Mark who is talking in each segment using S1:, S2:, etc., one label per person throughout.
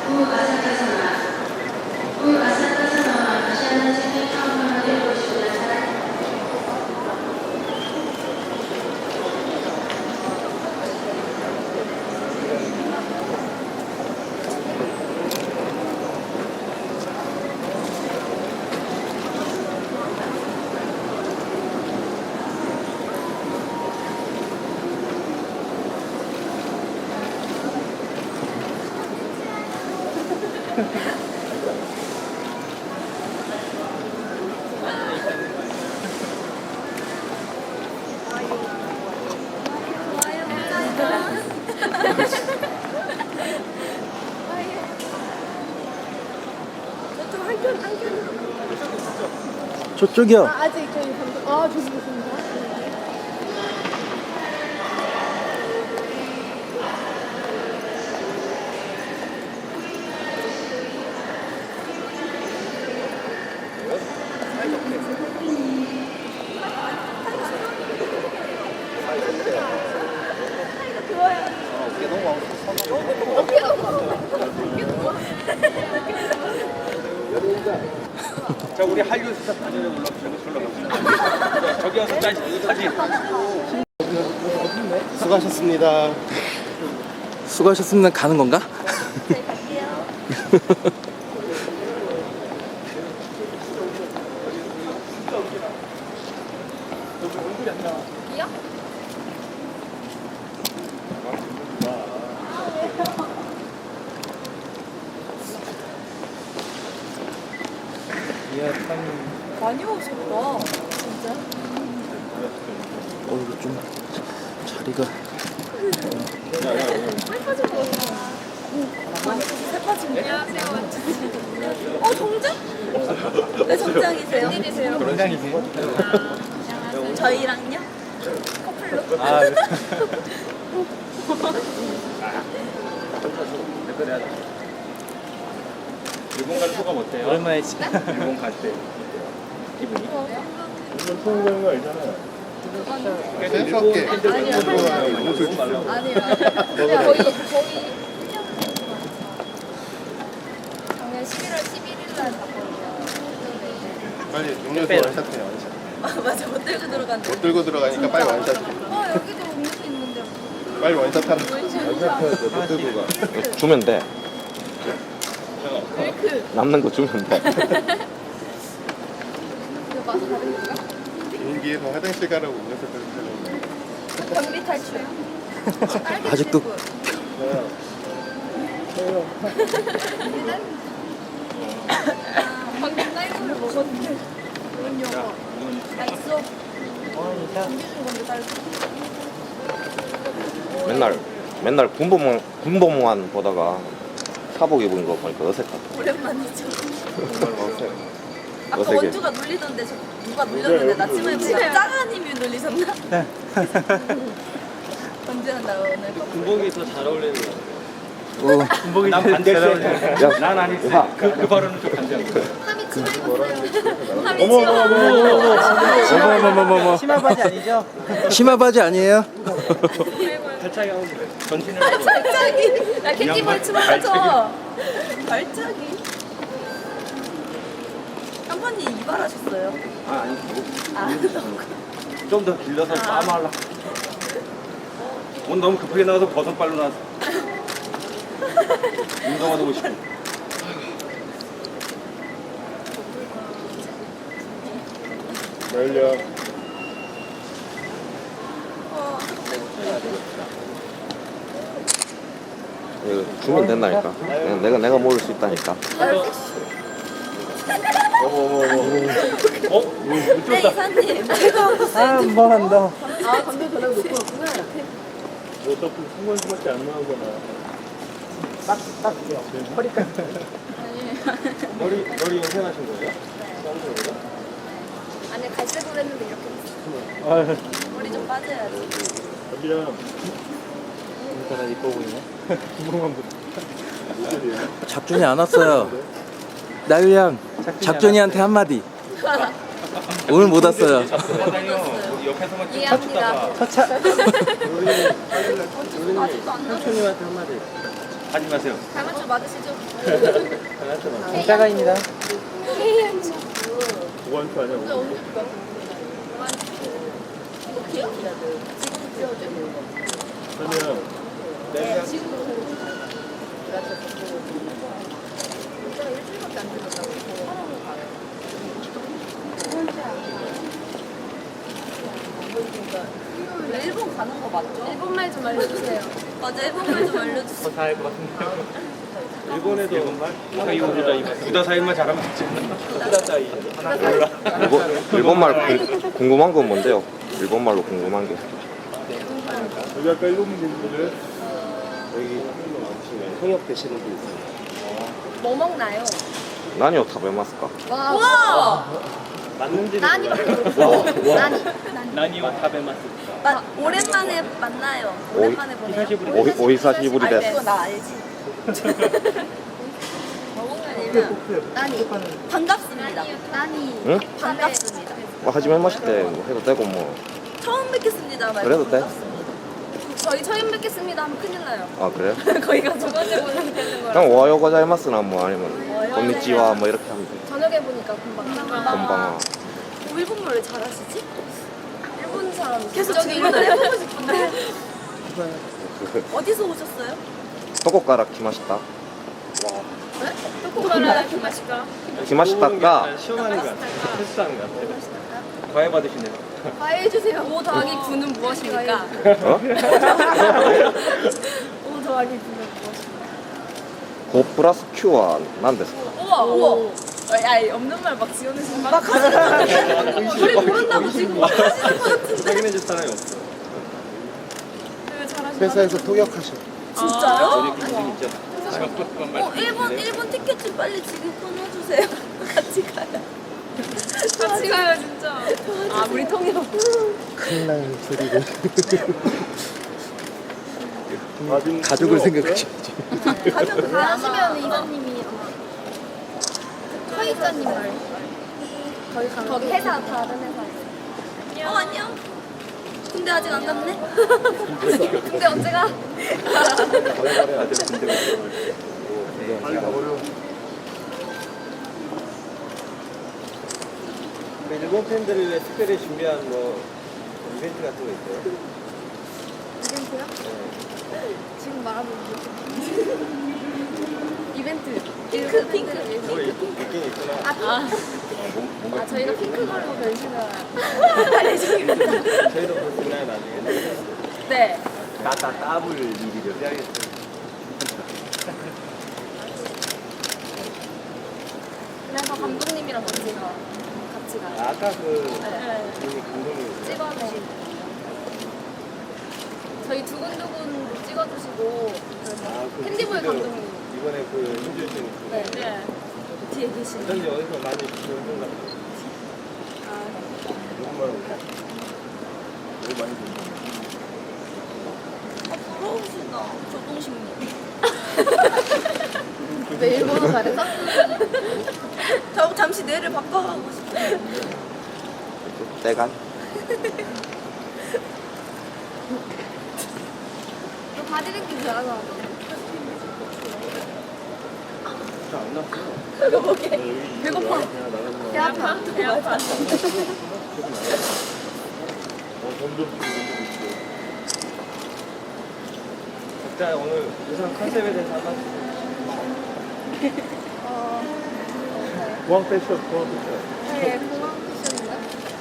S1: 저쪽이요.
S2: 아직 저희 방금 저기 보십니다.
S3: 자, 우리 한류 스타 단연에 올라갑시다. 저기 와서 사진.
S4: 수고하셨습니다.
S1: 수고하셨습니다. 가는 건가?
S2: 저희 갈게요. 이요? 많이 오셨다. 진짜?
S1: 이거 좀 자리가.
S2: 살 빠진 거 같아. 살 빠진 거. 안녕하세요. 정장? 네, 정장이세요? 웬일이세요?
S3: 정장이세요?
S2: 저희랑요? 커플로?
S3: 아, 네. 일본 갈 소감 어때요?
S1: 오랜만에 지
S3: 일본 갈 때 기분이?
S4: 이건 처음 가는 거 알잖아요.
S3: 일본 팬들
S2: 아니요.
S3: 너무 말라고.
S2: 아니요. 거의 1년 작년 11월 11일 날 갔거든요.
S4: 빨리 음료수 원샷해요, 원샷.
S2: 맞아, 못 들고 들어갔는데.
S4: 못 들고 들어가니까 빨리 원샷.
S2: 여기도 음료수 있는데.
S4: 빨리 원샷 하는 거. 원샷해야죠, 못 들고 가.
S5: 주면 돼.
S2: 밀크.
S5: 남는 거 주면 돼.
S2: 그 맛 다른 건가?
S4: 비행기에서 화장실 가라고 음료수 들고
S2: 경비 탈출.
S1: 아직도
S2: 방금 딸기를 먹었는데. 그런 영화. 맛있어. 준비 준 건데 딸기.
S5: 맨날 군복무만 보다가 사복 입은 거 보니까 어색하다.
S2: 오랜만이죠.
S4: 가.
S2: 아까
S5: 어색해.
S2: 원주가 눌리던데 누가 눌렸는데 나 치마에 보고 짜가님이 눌리셨나? 원주는 나 오늘
S3: 군복이 더 잘 어울리는 거 같아.
S1: 군복이
S3: 난 반대로.
S5: 야.
S3: 난 아니지. 그 발언은 좀 반대하는 거야.
S2: 함이 치마 입었어요. 함이
S1: 어머머머머머.
S6: 치마 바지 아니죠?
S1: 치마 바지 아니에요?
S3: 발차기 하고 그래. 전신을
S2: 발차기. 야 캔디볼 치마 하죠. 발차기. 한 번님 이발하셨어요?
S3: 아니
S2: 너무
S3: 좀 더 길러서 빠마하려. 오늘 너무 급하게 나가서 버섯발로 나왔어. 운동화도 오고 싶고.
S4: 열려.
S5: 이거 주면 된다니까. 내가 모을 수 있다니까.
S2: 네 이사님. 제가
S6: 뭐 한다.
S2: 감독 전화 놓고 왔구나.
S4: 어차피 순간수밖에 안 나오잖아.
S3: 머리 염색하신 거예요?
S2: 아니 갈색으로 했는데 이렇게 됐어. 머리 좀 빠져야지.
S4: 여기야.
S1: 일단 이뻐 보이네. 작준이 안 왔어요. 나유양, 작준이한테 한마디. 오늘 못 왔어요.
S3: 옆에서만 쭉
S2: 이해합니다.
S3: 쳐다봐.
S2: 아직도 안 나왔어.
S3: 하지 마세요.
S2: 잘 맞춰 장난쳐 맞으시죠?
S6: 진짜가입니다.
S3: 보안표 아니야?
S2: 어떻게요? 지금 지어줘.
S3: 그러면
S2: 네, 지금. 제가 일주일밖에 안 되셨다고. 하라고 가요. 일본 가는 거 맞죠? 일본말 좀 알려주세요. 맞아, 일본말 좀 알려주세요.
S3: 다알것 같은데요. 일본에도 사이오보다 부다사이만 잘하면 되지. 부다사이. 몰라.
S5: 일본말 궁금한 건 뭔데요? 일본말로 궁금한 게.
S4: 여기 아까 일본 분들 여기 통역 되시는 분 있어요.
S2: 뭐 먹나요?
S5: 나니오 타베마스까?
S2: 와!
S3: 맞는지
S2: 나니밖에 모르겠어요. 나니.
S3: 나니와 타베마스.
S2: 오랜만에 만나요.
S5: 오이-
S2: 오랜만에 보네요.
S5: 오히사시부리 데스.
S2: 그거 나 알지. 먹으면 나니. 반갑습니다. 나니.
S5: 응?
S2: 반갑습니다.
S5: 뭐 하지만 마실 때뭐 해도 되고 뭐.
S2: 처음 뵙겠습니다. 말고
S5: 그래도 돼?
S2: 반갑습니다. 저희 처음 뵙겠습니다 하면 큰일 나요.
S5: 아 그래요?
S2: 거기가 두 번째 보는 되는 거라.
S5: 그냥 오하요 고자이마스나 뭐 아니면 건니치와 뭐 이렇게 하면 돼.
S2: 저녁에 보니까 금방.
S5: 건방아.
S2: 일본말을 잘하시지? 일본 사람 계속 저기 일본어 해보고 싶은데. 어디서 오셨어요?
S5: 토코카라 키마시타.
S2: 네? 토코가라 키마시까?
S5: 키마시타가
S3: 시원하는 것 같아. 패스하는 것 같아. 과외 받으시네요.
S2: 과외해주세요. 5 더하기 9는 무엇입니까?
S5: 어?
S2: 5 더하기 9는 무엇입니까?
S5: 고 플러스 Q와 난데스까?
S2: 우와! 야, 없는 말 막 지어내시는 막 하시는 우리 모른다고 지금 하시는 것 같은데.
S3: 확인해줄 사람이 없어.
S2: 왜 잘하시나?
S4: 회사에서 통역하셔.
S2: 진짜요?
S3: 있잖아.
S2: 일본 티켓 좀 빨리 지금 끊어주세요. 같이 가요. 같이 가요, 진짜. 아, 우리 통역.
S4: 큰일 날 소리를.
S1: 가족을 생각하셔야지.
S2: 가시면 이사님이 서희자님 말. 거기 회사 다른 회사. 안녕. 군대 아직 안 갔네? 군대 언제 가?
S3: 일본 팬들을 위해 특별히 준비한 뭐 이벤트 같은 거 있어요?
S2: 이벤트요? 지금 말하는 이벤트. 핑크.
S3: 뭐 있긴 있구나.
S2: 저희가 핑크 걸로 변신을
S3: 저희도 볼 수 있나요 나중에?
S2: 네.
S3: 나다 따블 일이죠.
S2: 그래서 감독님이랑 같이 가요.
S3: 아까 그
S2: 네.
S3: 분이 감독님
S2: 찍어내. 저희 두근두근 찍어주시고
S3: 그
S2: 캔디보이 감독님.
S3: 이번에 그 힘주신
S2: 네. 뒤에 계시는.
S3: 어쩐지 어디서 많이 들은 것 같아요. 너무 많이 들었어요.
S2: 부러우시다. 조동식님. 왜 일본어 잘해서? 저 잠시 뇌를 바꿔가고 싶어요.
S5: 때간.
S2: 너 바디랭킹 잘하잖아.
S3: 잘안 났어요.
S2: 이거 뭐게? 배고파. 배 아파. 배 아파.
S3: 점점 각자 오늘 의상 컨셉에 대해서 한번 공항 패션.
S2: 네, 공항 패션인가?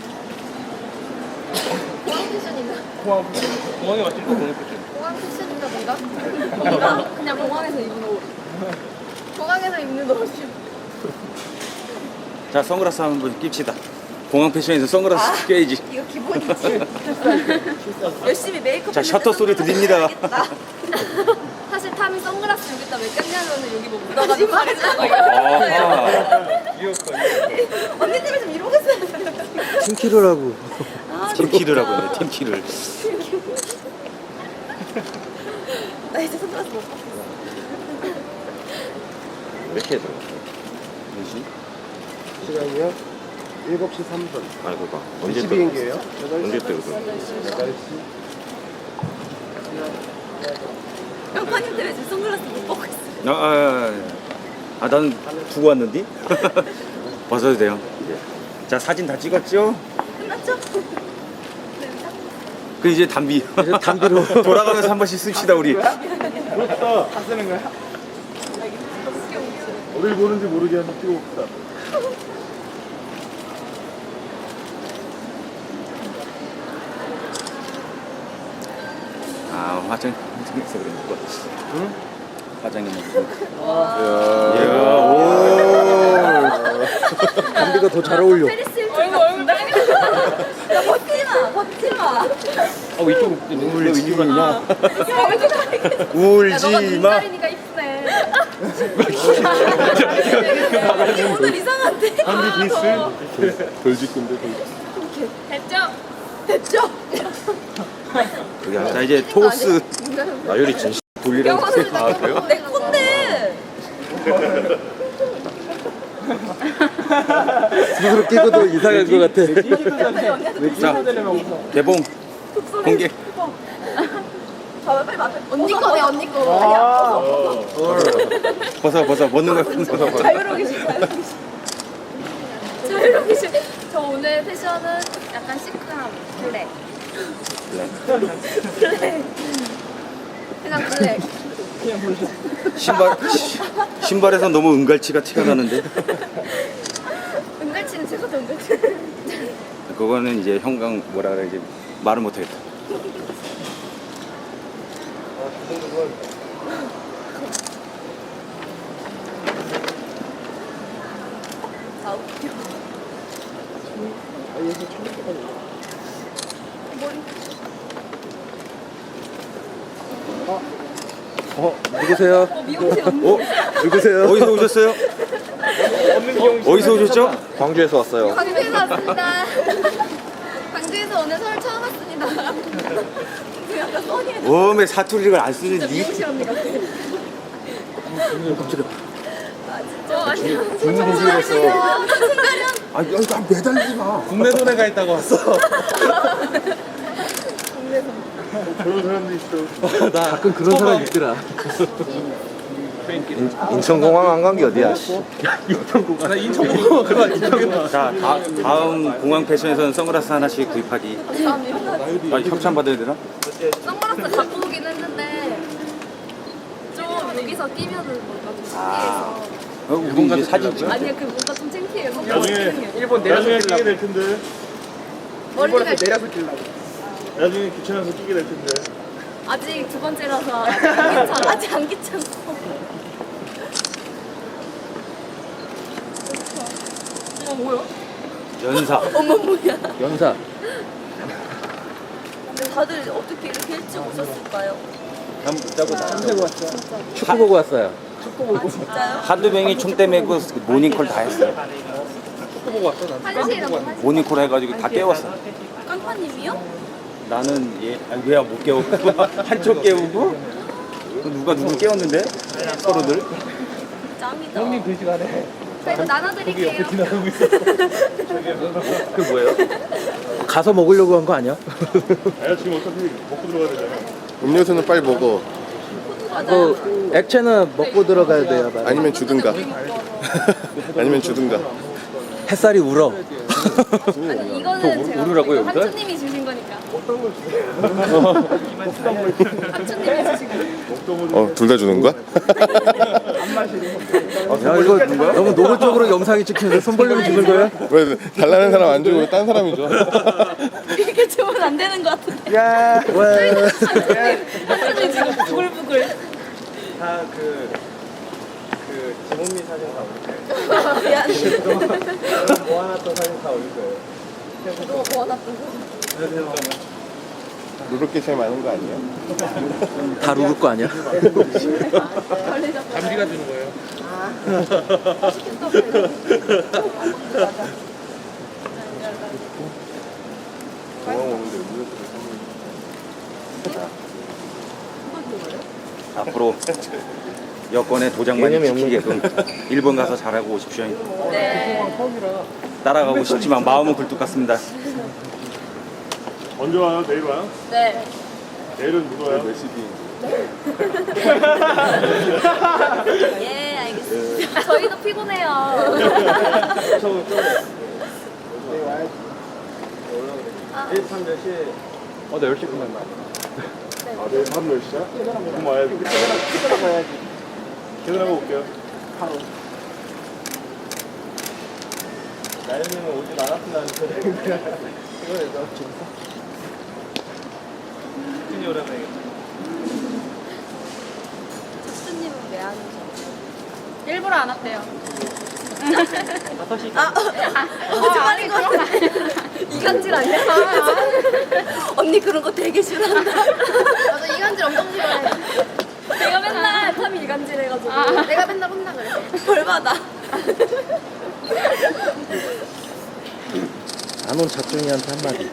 S2: 공항 패션인가?
S3: 공항에 맞춘 거 공항 패션.
S2: 공항 패션인가 뭔가? 그냥 공항에서 입는 옷. 공항에서 입는 옷이.
S1: 자, 선글라스 한번 낍시다. 공항 패션에서 선글라스 껴야지.
S2: 이거 기본이지. 열심히 메이크업.
S1: 자, 셔터 소리 들립니다.
S2: 사실 탐이 선글라스 여기다 왜 꼈냐면은 여기 뭐 묻어가지고 말했잖아.
S3: 이었거든요.
S2: 언니들이 좀 이러고 있어요.
S1: 팀키르라고.
S2: 아,
S1: 팀키르라고
S2: 진짜.
S1: 했네, 팀키르.
S2: 나 이제 선글라스 못 봤어.
S5: 몇 시에 들어?
S4: 시간이요? 7시 3분.
S5: 아니 그니까
S4: 몇
S5: 언제
S4: 시
S5: 때?
S4: 비행기예요?
S5: 언제 때 그거?
S4: 8시.
S2: 양파님 때문에 지금 선글라스 못 벗고 있어요.
S1: 난 두고 왔는데? 벗어도 돼요. 이제. 자, 사진 다 찍었죠?
S2: 끝났죠?
S1: 그 이제 담비.
S6: 담비로.
S1: 돌아가면서 한 번씩 씁시다, 우리.
S4: 부럽다. 다 쓰는 거야? 어딜 보는지 모르게 한번 찍어봅시다.
S1: 화장에서 그런 거. 응? 화장이면.
S6: 담비가 더 잘 어울려.
S2: 페리스 얼굴 야, 벗지 마.
S3: 이쪽으로
S1: 울지 마.
S2: 너가
S1: 울지 마.
S2: 눈살이니까 이쁘네. 오늘 이상한데?
S4: 한비 디스? 돌직근데
S2: 됐죠?
S1: 자, 이제 토스
S5: 나유리 진심.
S1: 돌리라고.
S2: 내 콘데.
S6: 스스로 끼고도 이상할 것 같아.
S1: 자, 개봉 공개.
S2: 언니 거네, 언니 거.
S1: 벗어 먹는 거.
S2: 자유로운 계시. 저 오늘 패션은 약간 시크함. 블랙. 그냥 블랙.
S1: 신발에서 너무 은갈치가 티가 나는데.
S2: 은갈치는 제가 더 은갈치.
S1: 그거는 이제 형광 뭐라 그래야지 말을 못하겠다.
S2: 아, 웃겨.
S6: 누구세요?
S2: 미용실 언니.
S6: 누구세요?
S1: 어디서 오셨어요? 어디서 오셨죠?
S5: 광주에서 왔어요.
S2: 광주에서 왔습니다. 광주에서 오늘 서울 처음 왔습니다. 그 약간 써니에
S1: 웜에 사투리를 안 쓰는 니.
S2: 미용실 언니 같아.
S1: 깜짝이야.
S2: 안녕.
S6: 중국에서.
S2: 순간이야.
S1: 나 매달리지 마.
S6: 국내 노래가 있다고 왔어.
S4: 그런 사람도 있어.
S6: 나 가끔 그런 사람 있더라.
S5: 인천공항 안 간 게 어디야?
S6: 나 인천공항 그거 인천공항.
S1: 자, 다음 공항 패션에서는 선글라스 하나씩 구입하기.
S2: 감사합니다.
S1: 협찬 받아야 되나?
S2: 선글라스 갖고 오긴 했는데 좀 여기서 끼면은 뭔가 좀 창피해서.
S1: 우리 이제 사진 찍.
S2: 아니야, 그 뭔가 좀 창피해요.
S4: 나중에
S3: 일본
S4: 나중에
S3: 내려서
S4: 끼게 될 텐데.
S2: 머리가
S3: 내려서 끼려고.
S4: 나중에 귀찮아서 끼게 될 텐데.
S2: 아직 두 번째라서 아직 안 귀찮아. 아직 안 귀찮아. 어머, 뭐야?
S1: 연사.
S2: 어머, 뭐야?
S6: 연사.
S2: 근데 다들 어떻게 이렇게 일찍 오셨을까요?
S6: 축구 보고 왔어요.
S2: 아, 진짜요?
S1: 한두 명이 총대 메고 모닝콜 다 했어요.
S2: 화장실이라고 하지?
S1: 모닝콜 해가지고 다 깨웠어.
S2: 깡파님이요?
S1: 나는 왜야 못 깨우고 한쪽 깨우고 누가 누구 깨웠는데 서로들.
S2: 짱이다.
S3: 형님 그 시간에
S2: 그래도 나눠드릴게요.
S3: 지나가고 있어.
S1: 그 뭐예요?
S6: 가서 먹으려고 한 거 아니야?
S4: 아야 지금 어차피 먹고 들어가야 되잖아.
S7: 음료수는 빨리 먹어.
S6: 그 액체는 먹고 들어가야 돼요. 맞아.
S7: 아니면 주든가. 아니면 주든가.
S6: 햇살이 울어.
S2: 아니, 이거는 제가
S1: 우르라고요, 여기다?
S2: 한추님이 주신 거니까. 한추님이 주신 거니까.
S7: 둘 다 주는 거야?
S6: 야 이거 너무 노골적으로 영상이 찍혀서 손 벌리고 찍는 거야?
S7: 왜 달라는 사람 안 주고 딴 사람이 줘?
S2: 이렇게 주면 안 되는 것 같은데.
S6: 야, 왜?
S2: 한추님 지금 부글부글.
S5: 다그 지문미 사진 다 올릴 거예요.
S2: 미안해.
S5: 모아놨던 사진 다 올릴 거예요.
S2: 너 모아놨던 거.
S7: 누를 게 제일 많은 거 아니에요?
S6: 다 누굴 거 아니야?
S2: 걸리자.
S3: 담비가 주는 거예요.
S7: 공항 오는데 음료수를 선물.
S1: 앞으로 여권에 도장 많이
S5: 개념이 없는
S1: 지키게끔 일본 가서 잘하고 오십시오.
S2: 네.
S1: 따라가고 싶지만 마음은 굴뚝 같습니다.
S4: 언제 와요? 내일 와요?
S2: 네.
S4: 내일은 누가 와요?
S7: 몇 시기?
S2: 예, 알겠습니다. 저희도 피곤해요.
S4: 나 10시 끝난다. 아, 내일 밤 10시야? 그럼 와야지. 퇴근하고 퇴근하고 올게요. 나연님은 오진 않았으면 이거에서 준이 오라면
S2: 척수님은 왜 안 오셨어요?
S8: 일부러 안 왔대요.
S2: 거짓말인 거 같아. 이간질 아니야? 언니 그런 거 되게 싫어한다.
S8: 나도 이간질 엄청 싫어해.
S2: 내가 맨날 탐이 이간질 해가지고.
S8: 내가 맨날 혼나 그래.
S2: 벌 받아.
S6: 안 온 작중이한테 한마디.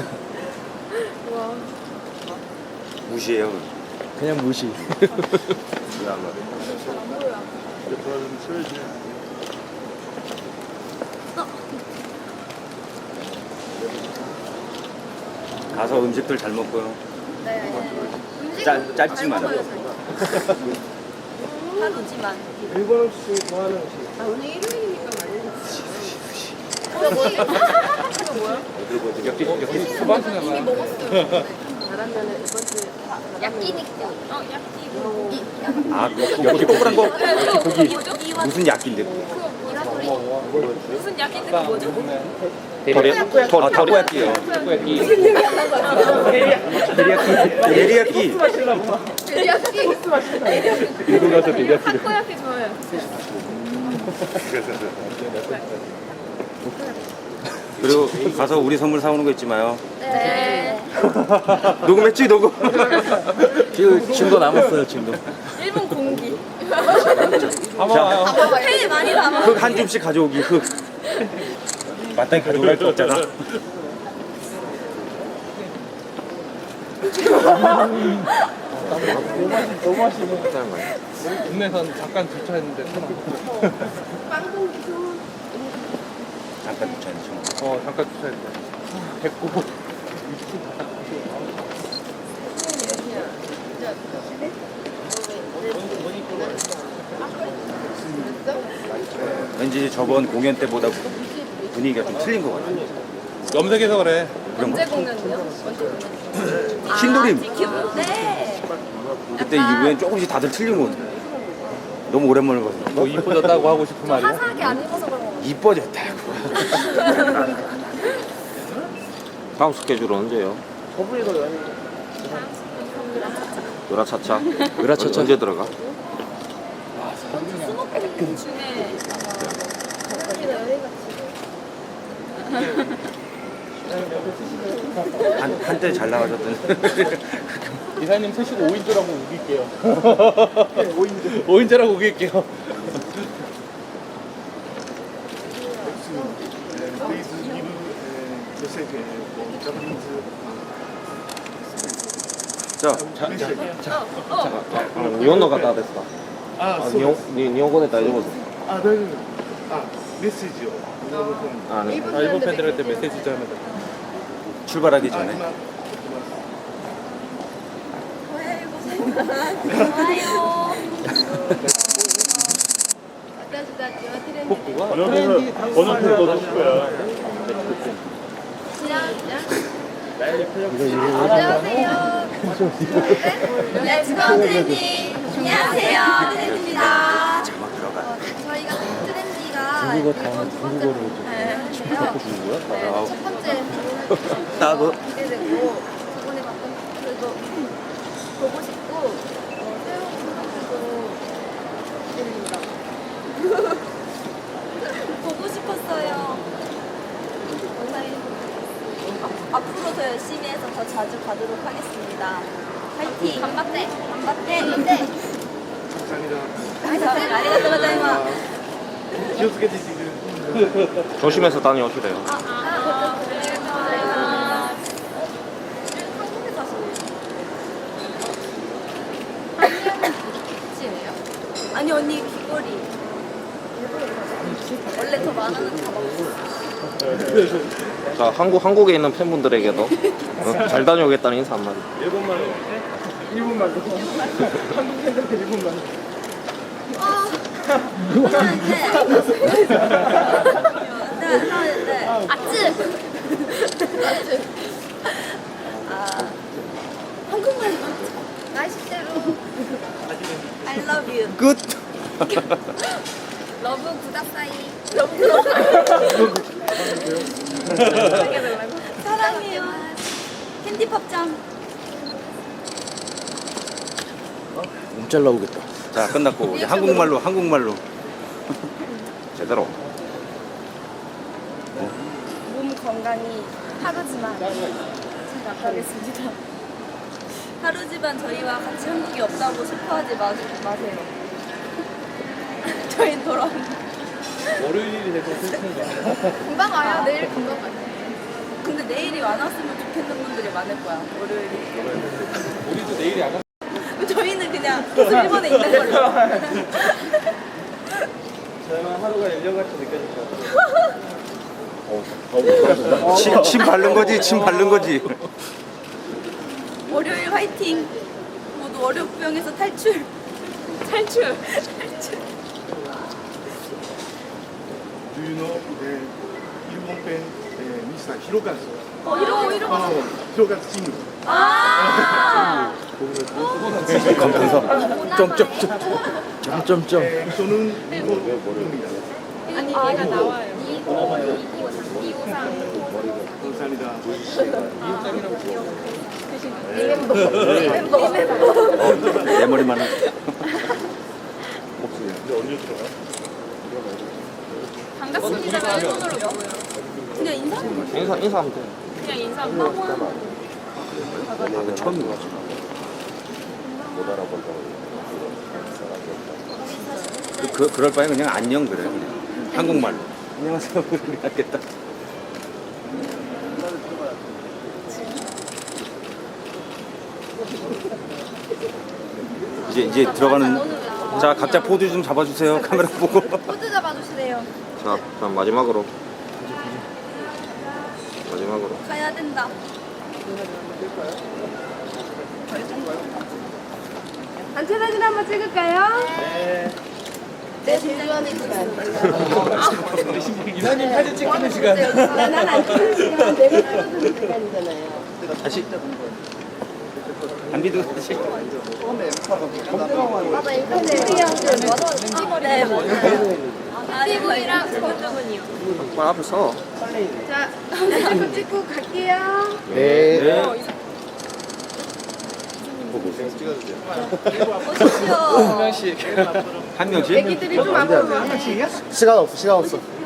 S1: 무시해요.
S6: 그냥 무시.
S1: 가서 음식들 잘 먹고요.
S2: 음식
S1: 짧지만.
S2: 잘 먹어요, 저희. 하루지만.
S7: 일본 음식 좋아하는 음식.
S8: 오늘 일요일이니까 말이야.
S2: 이미 먹었어요.
S8: 잘하면은 이번 주
S2: 야끼니까. 야끼.
S1: 아, 여기 동그란 거
S2: 고기.
S1: 무슨 약인데?
S2: 무슨 야끼인데 그 뭐죠?
S1: 타코야끼요. 데리야끼.
S4: 일본 가서 되게
S8: 타코야키 좋아요.
S1: 그리고 가서 우리 선물 사오는 거 잊지 마요.
S2: 네.
S1: 녹음했지, 녹음.
S6: 지금도 남았어요, 지금도.
S2: 일본 공기.
S1: 자,
S2: 회 많이 남아.
S1: 흙 한 줌씩 가져오기, 흙. 마땅히 가져갈 거 없잖아.
S4: 너무 맛있는 국내선 잠깐 주차했는데
S1: 잠깐 붙여야지.
S4: 잠깐 주차했는데 됐고
S1: 왠지 저번 공연 때보다 분위기가 좀 틀린 것 같아.
S4: 염색해서 그래.
S2: 언제 공연이요? 언제 공연?
S1: 흰도림.
S2: 네.
S1: 그때 이후엔 조금씩 다들 틀린 것 같아. 너무 오랜만에 봐서.
S4: 뭐 이뻐졌다고 하고 싶은 말이야?
S2: 화사하게 안 입어서 그런 거.
S1: 이뻐졌다고.
S5: 다음 스케줄은 언제요? 으라차차.
S6: 으라차차.
S5: 언제 들어가?
S2: 수목금 중에
S1: 한때 잘 나가셨던.
S4: 이사님 3시고 5인조라고 우길게요. 5인조라고 우길게요.
S1: 자,
S5: 日本の方ですか？日本語で大丈夫ですか？
S7: あ、大丈夫。あ、メッセージを。
S5: あ、ね。
S4: 일본 팬들한테 메시지 좀 하면 돼.
S1: 출발하기 전에.
S2: 좋아요.
S4: 복구가
S7: 번호표 넣어줄 거야.
S2: 안녕하세요. 렛츠고 트렌디. 안녕하세요. 트렌디입니다. 저희가 트렌디가
S6: 중국어 다음에 중국어로 좀.
S2: 네, 첫 번째
S1: 나도.
S2: 기대되고 저번에 봤던 그래도 보고 싶고 새로운 분들도 기대됩니다. 보고 싶었어요. 영상이 앞으로 더 열심히 해서 더 자주 가도록 하겠습니다. 파이팅! 간바떼! 간바떼! 감사합니다. 아리가또 고자이마스.
S5: 조심해서 다녀오시래요.
S2: 아니 언니 귀걸이 원래 더 많아는 다 먹었어.
S5: 자, 한국에 있는 팬분들에게도 잘 다녀오겠다는 인사 한마디.
S7: 일본말로. 한국 생각은 일본말로.
S2: 아쯔. 한국말로. 나이스대로. I love you.
S1: 끝.
S2: 러브 구다사이. 사랑해요. 캔디팝짱.
S6: 몸잘 나오겠다.
S1: 자 끝났고 이제 한국말로.
S5: 제대로.
S2: 몸 건강이 하루지만 제가 가겠습니다. 하루지만 저희와 같이 한국이 없다고 슬퍼하지 마세요. 저희 돌아옵니다.
S3: 월요일이 돼서 슬픈 거야.
S8: 금방 와요. 내일 금방 와요.
S2: 근데 내일이 안 왔으면 좋겠는 분들이 많을 거야. 월요일이.
S3: 우리도 내일이 안 와.
S2: 저희는 그냥 계속 일본에 있는 걸로.
S3: 저희만 하루가 1년같이 느껴질 것 같아요.
S1: 침 바른 거지.
S2: 월요일 화이팅. 모두 월요병에서 탈출.
S4: Do you know 일본 팬 미스터 히로가즈?
S2: 이러고.
S4: 히로가즈 친구.
S2: 아.
S6: 점점점.
S4: 저는 일본입니다.
S8: 아니 얘가 나와요.
S4: 감사합니다.
S1: 내 머리만.
S8: 반갑습니다가 일본어로 뭐예요?
S2: 그냥 인사.
S5: 인사하면 돼.
S8: 그냥 인사하고.
S1: 처음인 거지.
S5: 못 알아본다고.
S1: 그럴 바에 그냥 안녕 그래 그냥 한국말로. 안녕하세요. 그러면 낫겠다. 이제 들어가는. 자 각자 포즈 좀 잡아주세요. 카메라 보고.
S2: 포즈 잡아주시래요.
S5: 자, 그럼 마지막으로.
S2: 가야 된다.
S8: 단체 사진 한번 찍을까요?
S2: 내 제주안에
S3: 이사님 사진 찍는 시간.
S8: 난안 찍는 시간 내가 찍어주는 시간이잖아요.
S1: 다시. 안 믿어 다시.
S8: 맞아 인터넷
S2: 네, 맞아요.
S8: 피부이랑 저쪽은요.
S5: 말 앞에 서.
S8: 자 한번 찍고 갈게요.
S6: 네.
S2: 오십시오.
S3: 명씩.
S1: 한 명씩.
S8: 애기들이 좀 안 보면
S6: 시간 없어.